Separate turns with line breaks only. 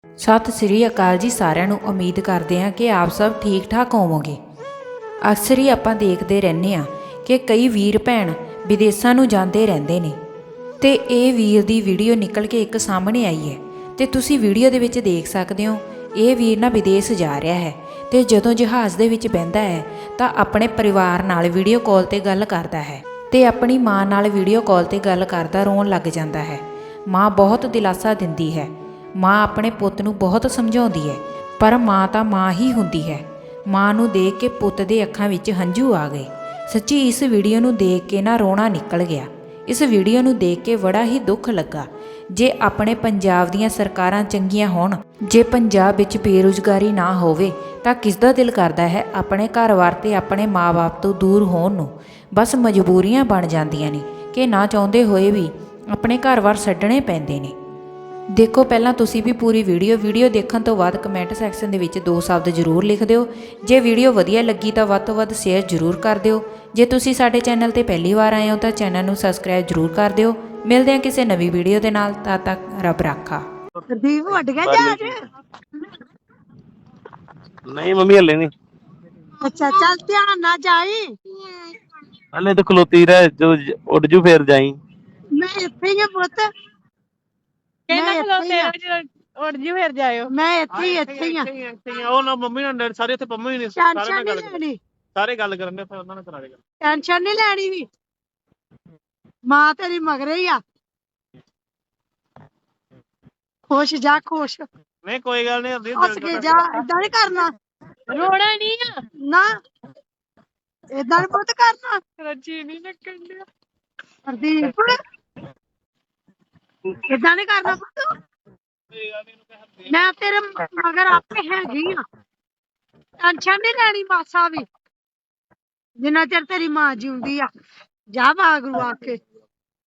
ਸਤਿ ਸ੍ਰੀ ਅਕਾਲ ਜੀ ਸਾਰਿਆਂ ਨੂੰ। ਉਮੀਦ ਕਰਦੇ ਹਾਂ ਕਿ ਆਪ ਸਭ ਠੀਕ ਠਾਕ ਹੋਵੋਗੇ। ਅਕਸਰ ਹੀ ਆਪਾਂ ਦੇਖਦੇ ਰਹਿੰਦੇ ਹਾਂ ਕਿ ਕਈ ਵੀਰ ਭੈਣ ਵਿਦੇਸ਼ਾਂ ਨੂੰ ਜਾਂਦੇ ਰਹਿੰਦੇ ਨੇ ਤੇ ਇਹ ਵੀਰ ਦੀ ਵੀਡੀਓ ਨਿਕਲ ਕੇ ਇੱਕ ਸਾਹਮਣੇ ਆਈ ਹੈ ਤੇ ਤੁਸੀਂ ਵੀਡੀਓ ਦੇ ਵਿੱਚ ਦੇਖ ਸਕਦੇ ਹੋ ਇਹ ਵੀਰ ਨਾ ਵਿਦੇਸ਼ ਜਾ ਰਿਹਾ ਹੈ ਤੇ ਜਦੋਂ ਜਹਾਜ਼ ਦੇ ਵਿੱਚ ਬਹਿੰਦਾ ਹੈ ਤਾਂ ਆਪਣੇ ਪਰਿਵਾਰ ਨਾਲ ਵੀਡੀਓ ਕਾਲ ਤੇ ਗੱਲ ਕਰਦਾ ਹੈ ਤੇ ਆਪਣੀ ਮਾਂ ਨਾਲ ਵੀਡੀਓ ਕਾਲ ਤੇ ਗੱਲ ਕਰਦਾ ਰੋਣ ਲੱਗ ਜਾਂਦਾ ਹੈ। ਮਾਂ ਬਹੁਤ ਦਿਲਾਸਾ ਦਿੰਦੀ ਹੈ। ਮਾਂ ਆਪਣੇ ਪੁੱਤ ਨੂੰ ਬਹੁਤ ਸਮਝਾਉਂਦੀ ਹੈ ਪਰ ਮਾਂ ਤਾਂ ਮਾਂ ਹੀ ਹੁੰਦੀ ਹੈ। ਮਾਂ ਨੂੰ ਦੇਖ ਕੇ ਪੁੱਤ ਦੇ ਅੱਖਾਂ ਵਿੱਚ ਹੰਝੂ ਆ ਗਏ। ਸੱਚੀ ਇਸ ਵੀਡੀਓ ਨੂੰ ਦੇਖ ਕੇ ਨਾ ਰੋਣਾ ਨਿਕਲ ਗਿਆ। ਇਸ ਵੀਡੀਓ ਨੂੰ ਦੇਖ ਕੇ ਬੜਾ ਹੀ ਦੁੱਖ ਲੱਗਾ। ਜੇ ਆਪਣੇ ਪੰਜਾਬ ਦੀਆਂ ਸਰਕਾਰਾਂ ਚੰਗੀਆਂ ਹੋਣ, ਜੇ ਪੰਜਾਬ ਵਿੱਚ ਬੇਰੁਜ਼ਗਾਰੀ ਨਾ ਹੋਵੇ ਤਾਂ ਕਿਸ ਦਾ ਦਿਲ ਕਰਦਾ ਹੈ ਆਪਣੇ ਘਰ-ਬਾਰ ਤੇ ਆਪਣੇ ਮਾਂ-ਬਾਪ ਤੋਂ ਦੂਰ ਹੋਣ ਨੂੰ। ਬਸ ਮਜਬੂਰੀਆਂ ਬਣ ਜਾਂਦੀਆਂ ਨੇ ਕਿ ਨਾ ਚਾਹੁੰਦੇ ਹੋਏ ਵੀ ਆਪਣੇ ਘਰ-ਬਾਰ ਛੱਡਣੇ ਪੈਂਦੇ ਨੇ। ਦੇਖੋ ਪਹਿਲਾਂ ਤੁਸੀਂ ਵੀ ਪੂਰੀ ਵੀਡੀਓ ਦੇਖਣ ਤੋਂ ਬਾਅਦ ਕਮੈਂਟ ਸੈਕਸ਼ਨ ਦੇ ਵਿੱਚ 2 ਸ਼ਬਦ ਜ਼ਰੂਰ ਲਿਖ ਦਿਓ। ਜੇ ਵੀਡੀਓ ਵਧੀਆ ਲੱਗੀ ਤਾਂ ਵੱਧ ਤੋਂ ਵੱਧ ਸ਼ੇਅਰ ਜ਼ਰੂਰ ਕਰ ਦਿਓ। ਜੇ ਤੁਸੀਂ ਸਾਡੇ ਚੈਨਲ ਤੇ ਪਹਿਲੀ ਵਾਰ ਆਏ ਹੋ ਤਾਂ ਚੈਨਲ ਨੂੰ ਸਬਸਕ੍ਰਾਈਬ ਜ਼ਰੂਰ ਕਰ ਦਿਓ। ਮਿਲਦੇ ਹਾਂ ਕਿਸੇ ਨਵੀਂ ਵੀਡੀਓ ਦੇ ਨਾਲ। ਤਦ ਤੱਕ ਰੱਬ ਰਾਖਾ।
ਦੀਪ ਵੱਡ ਗਿਆ ਜਹਾਜ਼।
ਨਹੀਂ ਮੰਮੀ ਹਲੇ ਨਹੀਂ।
ਅੱਛਾ ਚੱਲ ਧਿਆਨ ਨਾਲ ਜਾਈ।
ਹਲੇ ਤਾਂ ਖਲੋਤੀ ਰਹਿ, ਜੋ ਉੱਡ ਜੂ ਫੇਰ ਜਾਈ।
ਮੈਂ ਇੱਥੇ ਹੀ ਆ ਪੁੱਤ।
ਕਹਿੰਦਾ ਖਲੋਤੇ ਰਹੋ, ਉੱਡ ਜੀ ਫੇਰ ਜਾਇਓ।
ਮੈਂ ਇੱਥੇ ਹੀ ਆ।
ਉਹ ਨਾ ਮੰਮੀ ਨਾਲ ਡੈਡੀ ਸਾਰੇ ਇੱਥੇ ਪੰਮੀ ਨੇ
ਟੈਨਸ਼ਨ ਨਹੀਂ ਲੈਣੀ।
ਸਾਰੇ ਗੱਲ ਕਰਨ ਦੇ, ਫਿਰ ਉਹਨਾਂ ਨੇ ਕਰਾ ਦੇਗਾ।
ਟੈਨਸ਼ਨ ਨਹੀਂ ਲੈਣੀ ਵੀ। ਮਾਂ ਤੇਰੀ ਮਗਰੇ ਹੀ ਆ। ਖੁਸ਼ ਜਾ ਖੁਸ਼।
ਨਹੀਂ ਕੋਈ ਗੱਲ ਨਹੀਂ,
ਹੱਸ ਕੇ ਜਾ। ਏਦਾਂ ਨਹੀਂ ਕਰਨਾ।
ਰੋਣਾ ਨਹੀਂ ਆ
ਨਾ ਏਦਾਂ ਨੀ ਪੁੱਤ ਕਰਨਾ।
ਰੱਜੀ ਨਹੀਂ ਲੱਗਣ ਡਿਆ।
ਹਰਦੀਪ ਏਦਾਂ ਨੀ ਕਰਨਾ ਪੁੱਤ। ਮੈਂ ਤੇਰੇ ਮਗਰ ਆਪੇ ਹੈਗੀ ਆ। ਟੈਨਸ਼ਨ ਨਹੀਂ ਲੈਣੀ ਮਾਸਾ ਵੀ। ਜਿੰਨਾ ਚਿਰ ਤੇਰੀ ਮਾਂ ਜਿਉਂਦੀ ਆ। ਜਾ ਬਾਗਰੂ ਆ ਕੇ।